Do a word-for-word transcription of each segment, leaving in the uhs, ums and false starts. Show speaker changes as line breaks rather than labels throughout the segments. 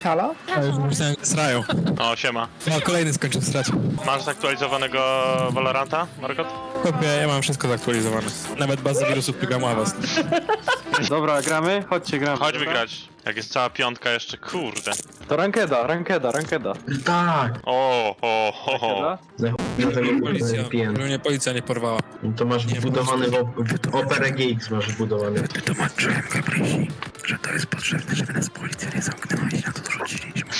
Halo?
A już myślałem, że srają.
O, siema.
No, kolejny skończył srać.
Masz zaktualizowanego Valoranta, Margot?
Chłopie, ja mam wszystko zaktualizowane. Nawet bazę wirusów programu Avast.
Dobra, gramy? Chodźcie, gramy.
Chodź
dobra?
wygrać. Jak jest cała piątka jeszcze, kurde.
To rankeda, rankeda, rankeda.
Tak!
O, ho, ho, ho.
Rankeda?
Dlatego
Policja,
pijem.
żeby mnie policja nie porwała.
To masz wbudowany w op- Opera G X masz wbudowany.
Wytłumaczyłem Gabrysi, że to jest potrzebne, żeby nas policja nie zamknęła i na to dorzuciliśmy.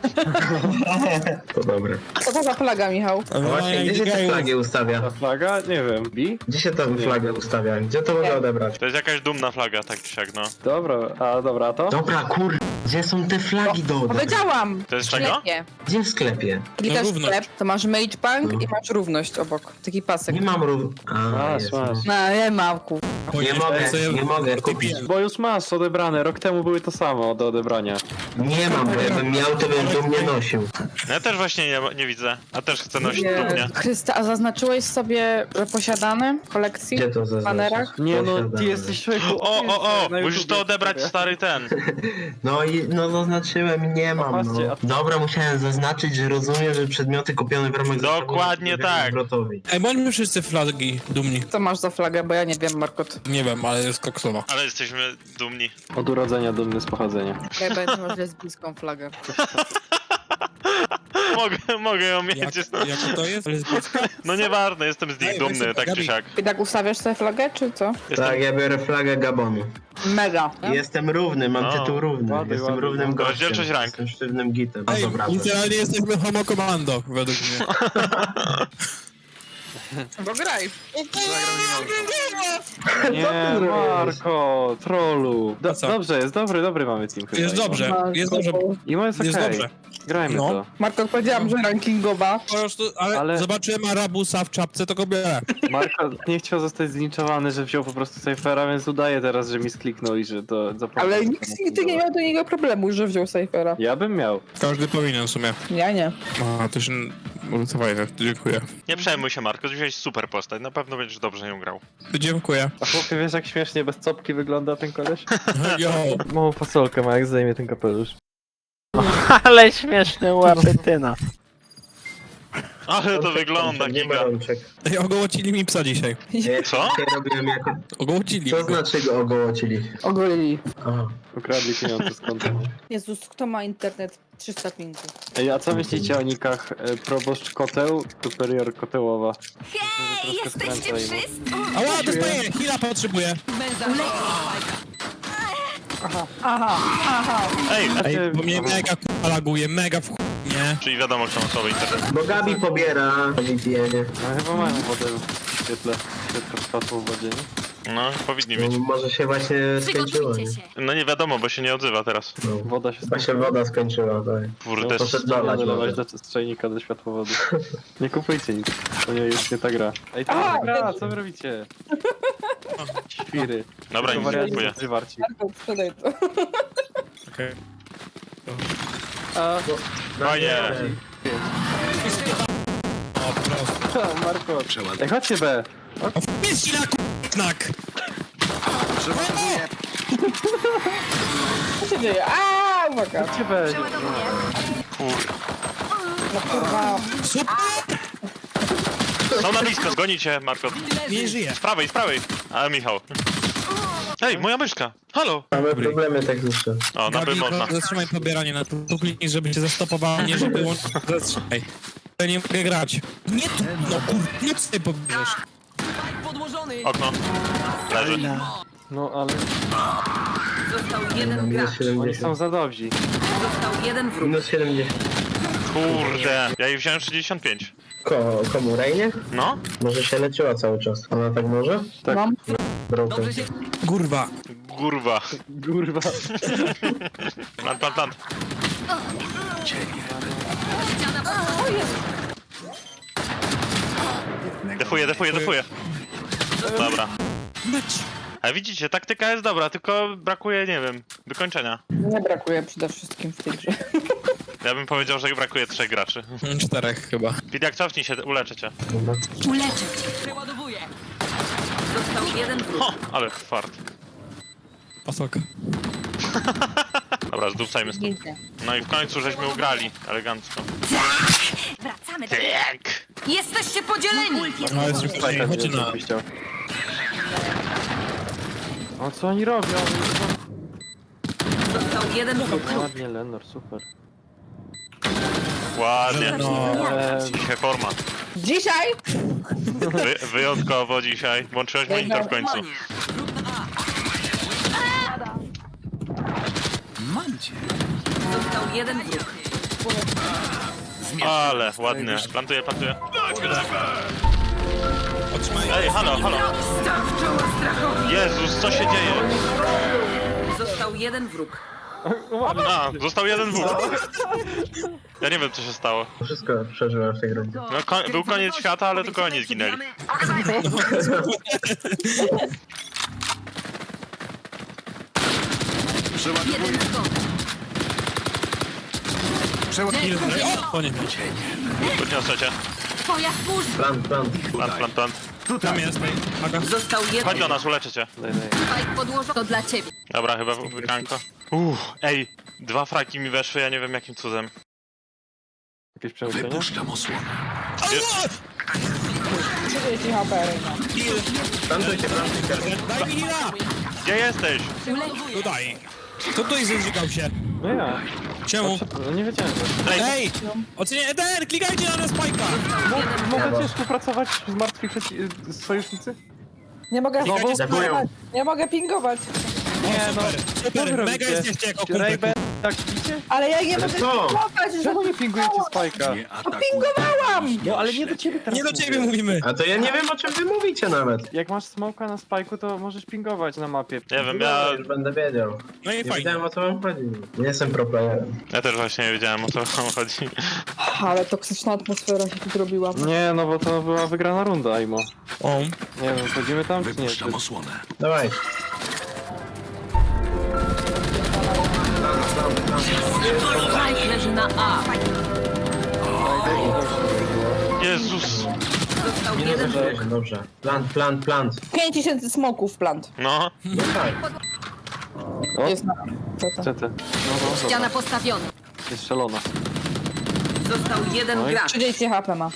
To dobre.
Co to za flaga, Michał?
A właśnie, gdzie się te flagi ustawia?
Ta flaga? Nie wiem. Bi?
Gdzie się tę flagę ustawia? Gdzie to mogę odebrać?
To jest jakaś dumna flaga, tak czy siak, no.
Dobra, a dobra, a to?
Dobra, kur... Gdzie są te flagi do odebrania?
Powiedziałam!
To jest
W
czego?
sklepie.
Gdzie w sklepie?
Klikasz w
równość.
sklep, to masz Mage Bank
No.
i masz równość obok. Taki pasek.
Nie mam rów... A,
Masz,
jest,
masz.
No, nie mam, ku...
Nie mogę, nie mogę kupić.
Bo już masz odebrane, rok temu były to samo do odebrania.
Nie mam, bo jakbym miał, to bym dumnie nosił.
No ja też właśnie nie, nie widzę. A też chcę nosić
Nie.
dumnie.
Chrysta, a zaznaczyłeś sobie, że posiadane w kolekcji?
Gdzie to
W
zaznaczyć?
banerach?
Nie no, ty
Posiadane.
jesteś człowieku...
O, o, o!
na
Musisz
YouTubie
to odebrać,
sobie.
stary ten.
No i no zaznaczyłem, nie mam
Popatrzcie,
no.
a-
Dobra, musiałem zaznaczyć, że rozumiem, że przedmioty kupione w ramach
Dokładnie
zestawu
tak.
zwrotowi.
Ej, bądźmy wszyscy flagi dumni.
Co masz za flagę, bo ja nie wiem, Markot.
Nie wiem, ale jest koksowa.
Ale jesteśmy dumni.
Od urodzenia dumny z pochodzenia.
Ja będę masz lesbijską flagę.
Mogę, mogę ją mieć.
Jak,
jest-
jaka to jest? Lesbijska?
No nieważne, jestem z nich
Ej,
dumny,
weź
tak czy
Gabi.
siak.
I tak ustawiasz sobie flagę, czy co?
Jestem...
Tak, ja biorę flagę Gabonu.
Mega.
Jestem równy, mam
No.
tytuł równy.
Ładny,
Jestem
ładny.
równym gościem.
Rozdzielczość rank.
Jestem sztywnym gitem. A
Ej,
dobra.
literalnie jesteśmy homo commando, według mnie.
Bo graj.
Nie, Marko, trollu. Do,
A co?
dobrze, jest dobry, dobry mamy team chyba.
Jest dobrze, jest dobrze.
I jest
Jest
okej.
dobrze.
Grajmy
No.
to.
Markot, powiedziałam, że rankingowa.
Po prostu, ale,
Ale-
zobaczyłem Arabusa w czapce, to go biorę.
Marko nie chciał zostać zlinczowany, że wziął po prostu Cyphera, więc udaje teraz, że mi skliknął i że to zapomniał.
Ale nikt nigdy nie miał do niego problemu, że wziął Cyphera.
Ja bym miał.
Każdy powinien w sumie.
Ja nie.
A, to się... Fajne, dziękuję.
Nie przejmuj się, Marko, wziąłeś super postać, na pewno będziesz dobrze ją grał.
Dziękuję.
A chłopie, wiesz jak śmiesznie bez copki wygląda ten koleś?
Yo.
Małą fasolkę ma, jak zdejmie ten kapelusz.
Ale śmieszny łapytyna.
Ale to wygląda,
Nie ma
giga.
rączek.
Ej, ogołocili mi psa dzisiaj.
Ja
Co?
dzisiaj robiłem jako...
Ogołocili
Co
mi go.
znaczy go ogołocili?
Ogolili.
Aha.
Ukradli pieniądze z konta.
Jezus, kto ma internet trzysta pingu?
Ej, a co myślicie o nikach e, proboszcz koteł, superior kotełowa?
Hej, jesteście wszyscy?
Ała, dostaję! Hila potrzebuję.
Aha, aha.
Ej,
Ej, bo mnie mega k***a laguje, mega w chuj, nie?
czyli wiadomo, kto ma słaby internet.
Bo Gabi pobiera V P N-ie.
No chyba mają wodę w świetle, świetle światło w wodzie, nie?
No, powinni
No,
mieć.
może się właśnie skończyło, nie?
Przygotujcie się.
No nie wiadomo, bo się nie odzywa teraz.
No.
Woda się
Chyba się woda skończyła, tak.
Kurde,
No, poszedł
Trzeba
dolać
nalewać
wodę.
do czajnika do światłowody. Nie kupujcie nic, to nie jest nie ta gra. Ej, to
A,
nie ta gra,
też.
co wy robicie? Świry.
dobra,
To
nic nie
wariaci
kupuję.
zwarci.
Markot, sprzedaj to.
Okej.
A,
Fajnie.
O, po prostu.
co, Marko? Ej, chodźcie B.
O, wpis na k***nak!
Co się dzieje? Aaa, uwaga.
Chodźcie B.
Przeładowuję.
Kur...
No kurwa.
Super!
Są na blisko, zgonicie, Marko.
Nie żyje.
Z prawej, z prawej. Ale Michał. Ej, moja myszka. Halo.
Mamy problemy techniczne.
O, no by
Gabi,
można.
zatrzymaj pobieranie na tu, tu kliknij, żeby cię zastopowało, nie żeby łączyć. Zatrzymaj. Ja nie mogę grać. Nie tu, no kur... Nie tutaj pobierzesz.
Okno. Leży.
No ale
Został jeden
Minus
gracz.
oni
siedemdziesiąt.
są za dobrzy.
Został jeden wróg.
Minus siedemdziesiąt.
Kurde. Ja jej wziąłem sześćdziesiąt pięć.
Ko, komu, Rejnie?
No?
Może się leciła cały czas. Ona tak może?
Tak.
Mam.
Broken.
Kurwa.
Kurwa.
Kurwa.
Plant, plant, plant. Defuję, defuję, defuję. Dobra. A widzicie, taktyka jest dobra, tylko brakuje, nie wiem, wykończenia.
Nie brakuje przede wszystkim w tej grze.
Ja bym powiedział, że brakuje trzech graczy.
Czterech chyba.
Pidiak, cofnij się, uleczę cię.
Uleczę cię. Przeładowuję. Został jeden wróg.
Ho, ale fart.
Pasoka.
Dobra, zdupcajmy stąd.
Widzę.
No i w końcu żeśmy ugrali. Elegancko.
Wracamy do...
Tak!
Jesteście podzieleni!
No jest już
Spajka
chodź
nie
na...
wiem, chciał. O co oni robią?
Został jeden wróg.
No, ładnie, Lenor, super.
Ładnie.
No,
Eee,
Dzisiaj forma.
Dzisiaj?
Wy, wyjątkowo dzisiaj. Włączyłeś monitor w końcu.
Został jeden wróg.
Ale ładnie. Plantuję, plantuję.
otrzymaj.
Ej, halo, halo.
Staw czoła strachowi.
Jezus, co się dzieje?
Został jeden wróg.
A, został jeden wód. Ja nie wiem, co się stało.
Wszystko przeżyłem w tej rundzie.
No, ko- był koniec świata, ale tylko oni zginęli.
Jeden zgon.
O, koniec.
Podniosę cię.
Twoja służba.
Plan, plan.
Plant, plant, plant.
Tam jest, ej. Aga.
Został
Chodź
jeden.
do nas, uleczę cię.
daj, daj.
Spike podłożony. To dla ciebie.
Dobra, chyba wykanko. Uff, ej, dwa fraki mi weszły, ja nie wiem jakim cudem.
Jakieś przemyślenia?
trzydzieści H P.
Plantujcie, plantujcie.
Daj mi hila!
Gdzie jesteś?
Tutaj. Kto tutaj zrzygał się?
No ja.
Czemu?
No nie wiedziałem. że-
Ej,
Ej! Ocenię Eder! Klikajcie na nas spajka!
Mo- Możecie współpracować z martwi przeci- z sojusznicy?
Nie mogę
Znowu?
pingować. Nie mogę pingować.
Nie no.
Super, mega jesteście jako kumpel.
Rayben, tak widzicie?
Ale ja nie mogę
co?
pingować, że
Czemu nie pingujecie Spajka?
pingowałam!
No ale nie do ciebie teraz
Nie do
mówię.
ciebie mówimy.
A to ja nie wiem, o czym wy mówicie nawet.
Jak masz smoka na Spajku, to możesz pingować na mapie.
nie wiem,
Ja
ja,
już będę wiedział.
No i
Nie
fajnie.
wiedziałem, o co wam chodzi. Nie jestem pro playerem.
ja też właśnie nie wiedziałem o co wam chodzi.
Ale toksyczna atmosfera się tu zrobiła.
Nie, no bo to była wygrana runda, Imo.
O.
Nie wiem, wchodzimy tam czy nie?
Dawaj.
Spike leży na A.
Jezus!
Został jeden wróg.
Dobrze, dobrze. Plant, plant, plant.
pięć tysięcy smoków plant.
No,
No tak.
O,
Jest na... Co to?
C T. No, no,
Ściana
dobra.
postawiona.
Jest strzelona.
Został jeden
Oj.
gracz.
trzydzieści H P ma.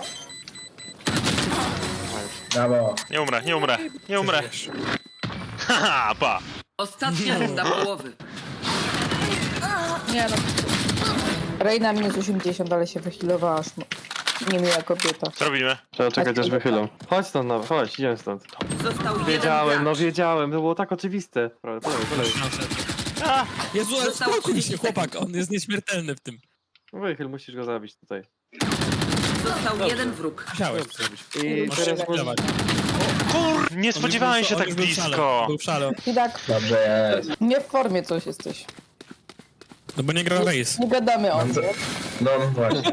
Brawo.
nie umrę, nie umrę, nie umrę. Haha, pa!
Ostatnia runda połowy.
Nie no. Reina minus osiemdziesiąt, ale się wychilowała aż mo- niemiła kobieta.
Co robimy?
Trzeba czekać aż wychylą. Chodź stąd, no, chodź, idziemy stąd.
Został jeden
Wiedziałem, no
gracz.
wiedziałem, to było tak oczywiste. Prawie, polej, polej.
Jezu, ale
Zostało
spokój się,
trzydzieści
chłopak, on jest nieśmiertelny w tym.
Wychyl, musisz go zabić tutaj.
Został jeden wróg.
Musiałeś to zrobić.
I
Masz
teraz
się
może...
Kur... Nie spodziewałem się
On
tak
już był w szale,
blisko.
Był w szale.
I tak,
Dobrze jest.
nie w formie coś jesteś.
No bo nie gra race.
Nie gadamy o tym.
No właśnie.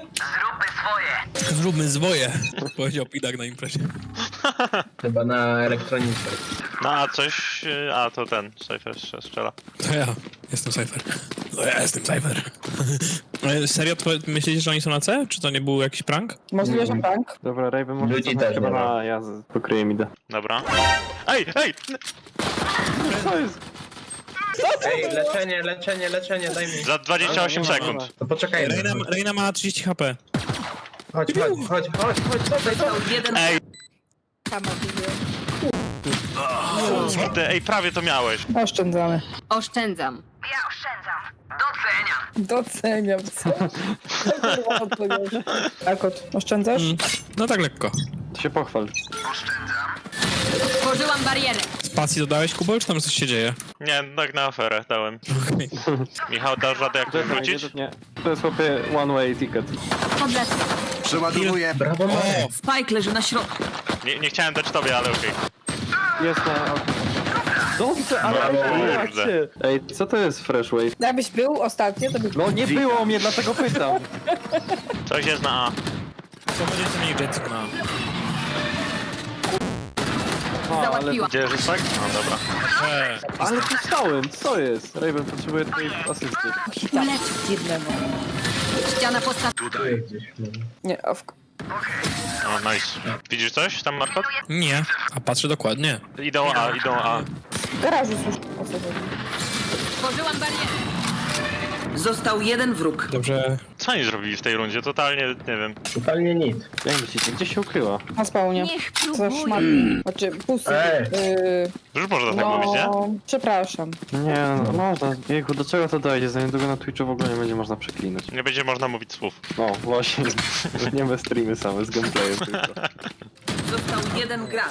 Zróbmy zwoje, powiedział Pidak na imprezie.
Chyba na elektronice.
No a coś... y, A, to ten, Cypher jeszcze strzela.
To ja, jestem Cypher. No ja jestem Cypher. Ale serio, to myślicie, że oni są na C? Czy to nie był jakiś prank?
Możliwe, że bank.
Dobra, Raven może
Ludzi
cofnąć
też
chyba
nie ma.
na... Ja z- pokryję mi da.
Dobra. Ej, ej!
Co jest?
Ej, leczenie, leczenie, leczenie, daj mi.
Za dwadzieścia osiem
Nie ma,
sekund.
nie ma.
To poczekaj.
Reina, Reina ma trzydzieści HP.
Chodź, chodź, chodź, chodź, chodź, chodź.
Został jeden
Ej,
Sama widzę.
kurde, ej, prawie to miałeś.
Oszczędzamy.
Oszczędzam.
Doceniam. Co? Tak, od. Oszczędzasz?
Mm. No tak lekko.
To się pochwal.
Tworzyłam barierę.
Spacji dodałeś, Kubol, czy tam coś się dzieje?
Nie, tak na aferę dałem.
Okej.
Michał, dasz radę jak tu
Czekaj,
wrócić?
nie, nie. To jest chłopie one way ticket.
To dla ciebie.
Przeładowuję.
Brawo,
O!
Marek.
Spike leży na środku.
Nie, nie chciałem dać tobie, ale okej.
Jest na... Dobrze, ale
Brawo.
ej, patrzcie. Ej, co to jest fresh wave?
Jakbyś był ostatnio, to by...
No nie było mnie, dlatego pytam.
Coś jest na A.
Co będziecie mieli Jetson na...
A, ale,
Załatwiłam.
Gdzie jest tak? No dobra.
Eee,
ale tu stałem, co jest? Raven potrzebuje twojej asysty.
Ulecz.
Jednemu.
Ściana postawiona.
Tutaj gdzieś. no.
Nie, a w...
O, nice. Widzisz coś tam, Markot?
nie, a patrzę dokładnie.
Idą A, idą A.
w garażu słyszę o co chodzi.
Stworzyłam barierę. Został jeden wróg.
Dobrze.
Co oni zrobili w tej rundzie? Totalnie, nie wiem.
Totalnie nic.
Jak myślicie, gdzie się ukryła?
Na spawnie.
Niech
Za
próbuje.
szmat. Znaczy, pusty.
Ej.
Yy,
Już można tak
no,
mówić, nie?
przepraszam.
Nie, no można. Jejku, do czego to dojdzie? Za niedługo na Twitchu w ogóle nie będzie można przeklinać.
Nie będzie można mówić słów.
No, właśnie. Nie bez streamy same, z gameplayem tylko.
Został jeden gracz.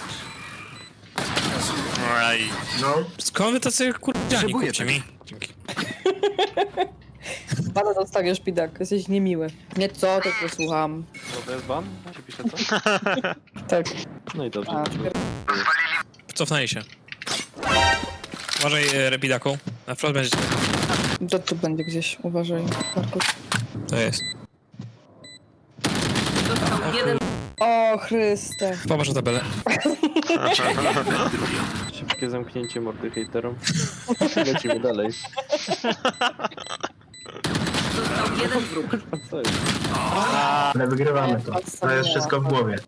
Aj.
No,
Skąd wy tacy kurdziani, kupcie mi? Dzięki.
Bana dostaniesz, Pidak. Jesteś niemiły. Nie co, tylko słucham.
Co, to jest ban? Się pisze co?
Tak.
No i dobrze.
A, pier-
Cofnęli się. Uważaj, e, Repidaku. Na wprost będzie.
to tu będzie gdzieś. Uważaj, Markus.
To jest.
Został jeden.
O, Chryste.
Popatrz na tabelę.
Szybkie zamknięcie mordy hejterom. Lecimy dalej.
Został jeden wróg.
A co jest?
ale wygrywamy to. To jest wszystko w głowie.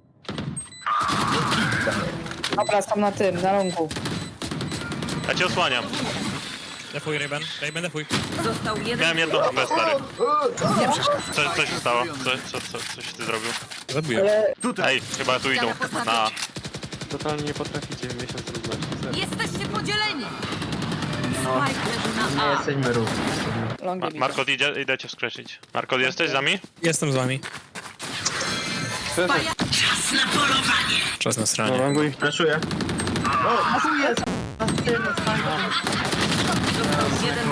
Dobra, tam na tym, na rągu.
Ja cię osłaniam.
Defuj, Raven. Raven, defuj.
Został jeden.
Miałem jedną H P, stary. Co, co się stało? Co, co, co, coś ty zrobił?
Zabiję.
Ale
Ej, chyba tu idą. Na.
Totalnie nie potraficie w miesiąc trudności. serio.
Jesteście podzieleni. Spike leży
Nie
na A.
jesteśmy równi.
longiem
Ma
idę.
Markot, idzie, idę cię skreślić. Markot, jesteś z nami?
Jestem z wami.
Szczerze,
Czas na
no
stronie.
rangu ich
Flaszuję.
Jeden.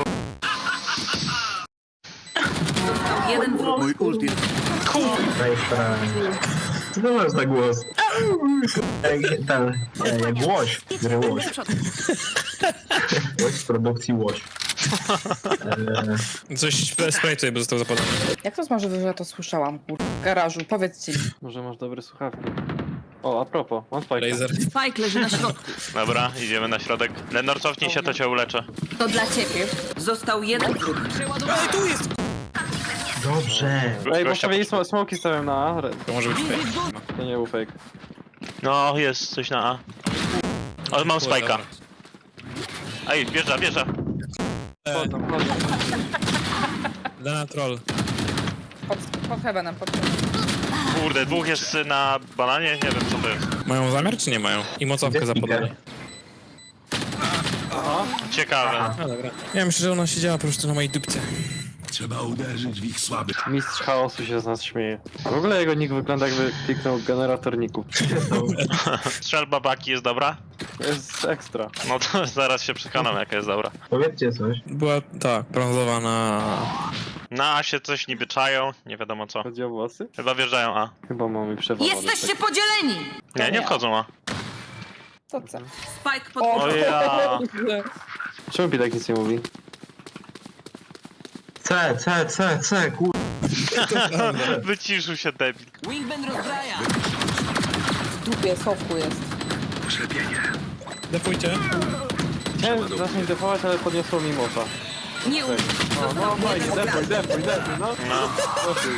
Został jeden wróg.
Daj sprawę. Co to masz za głos? Jak ten, nie, jak łoś. Gry łoś. Łoś z produkcji łoś. Eee,
Coś spray tutaj, bo został zapalony.
Jak to jest możliwe, że ja to słyszałam, kur... w garażu? Powiedzcie mi.
Może masz dobre słuchawki. O, a propos, mam spajka.
Laser.
Spike leży na środku.
Dobra, idziemy na środek. Lenor, cofnij się, to cię uleczę.
To dla ciebie. Został jeden wróg.
Ej, tu jest!
Dobrze.
Ej, bo
Gościa
sobie sm smoki stawiam na A. Re-
To może być fake.
To nie był fake.
No, jest coś na A. O, mam spajka. Ej, wjeżdża, wjeżdża.
Chodzą, chodzą.
Dana troll.
Pod, pod heavenem, pod heavenem.
Kurde, dwóch jest na bananie, nie wiem co to jest.
Mają zamiar, czy nie mają? I mocowkę
Gdzie
zapodali.
Ciekawe.
A dobra. Ja myślę, że ona siedziała po prostu na mojej dupce.
Mistrz chaosu się z nas śmieje. W ogóle jego nick wygląda jakby kliknął generator nicków.
Strzelba baki jest dobra?
To jest ekstra.
No to zaraz się przekonam jaka jest dobra.
Powiedzcie coś.
Była, tak, brązowa na...
Na A się coś niby czają, nie wiadomo co.
Chodzi o włosy?
Chyba wjeżdżają A.
Chyba mamy przewagę.
Jesteście podzieleni.
Nie, nie wchodzą A.
To co?
Spike pod...
O ja.
Czemu Pitek nic nie mówi?
C, C, C, C, kur...
Wyciszył się debil.
Wingman rozbraja.
W dupie, schowku jest.
Defujcie.
Chciałem zacząć defować, ale podniosło mi mofa.
Nie
Cześć.
umiesz.
O, no fajnie, defuj, defuj, defuj, no.
No,
Defuj.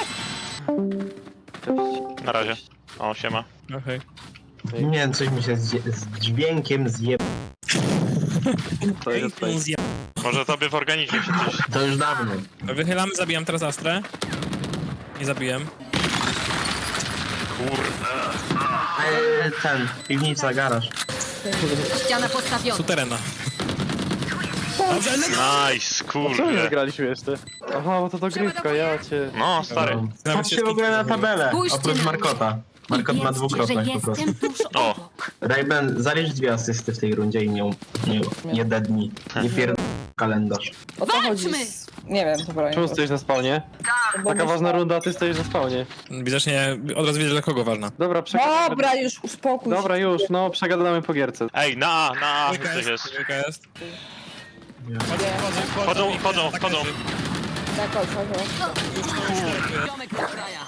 Cześć.
na razie. O, siema.
Okej.
Nie wiem, coś mi się z, z dźwiękiem zje...
To jest fake.
Może tobie w organizmie się coś...
To już dawno.
Wychylamy, zabijam teraz Astrę. Nie zabiłem.
Kur...
Eee, ten, piwnica, garaż.
Ściana postawiona.
Suterena. Dobrze, ale...
Nice,
Czemu nie
kurde.
zagraliśmy jeszcze? Aha, bo to dogrywka, ja cię...
No, stary.
Patrzcie w ogóle na tabelę,
Spójrzcie
oprócz
na
Markota. Markot ma dwukropek po prostu.
O,
Rayben, zalicz dwie asysty w tej rundzie i nie, nie, nie dednij. Nie pierd... kalendarz.
O co chodzi?
Walczmy!
Z... Nie wiem, dobra.
Czemu stoisz na spawnie?
Bo
Taka
myślę-
ważna runda, a ty stoisz na spawnie.
Widocznie od razu widzę, dla kogo ważna.
Dobra, przegadamy.
Dobra, już uspokój się.
Dobra, już, no, przegadamy po gierce.
ej, na A, na A,
Dwójka
coś
jest,
jest.
dwójka jest.
Nie.
Chodzą, chodzą,
Chodzą,
i-
chodzą,
tak
chodzą.
leży.
Tak, chodź, chodź, chodź.
Ziomek rozbraja.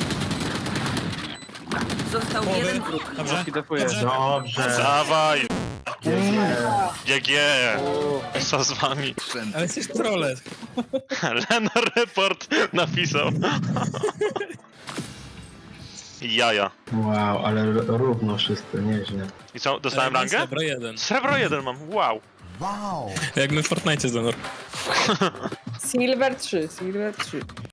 Został
Połowy.
jeden wróg.
Dobrze.
Defuję.
Dobrze.
Dobrze.
Dawaj,
Nie.
G G. Co z wami?
Ale jesteś trole.
Lenor report napisał. Jaja.
Wow, ale r- równo wszyscy, nieźle.
I co, dostałem rangę?
Dobra, jeden.
Srebro jeden mam, wow.
Jak my w Fortnite, Zanor.
Silver trzy, Silver trzy.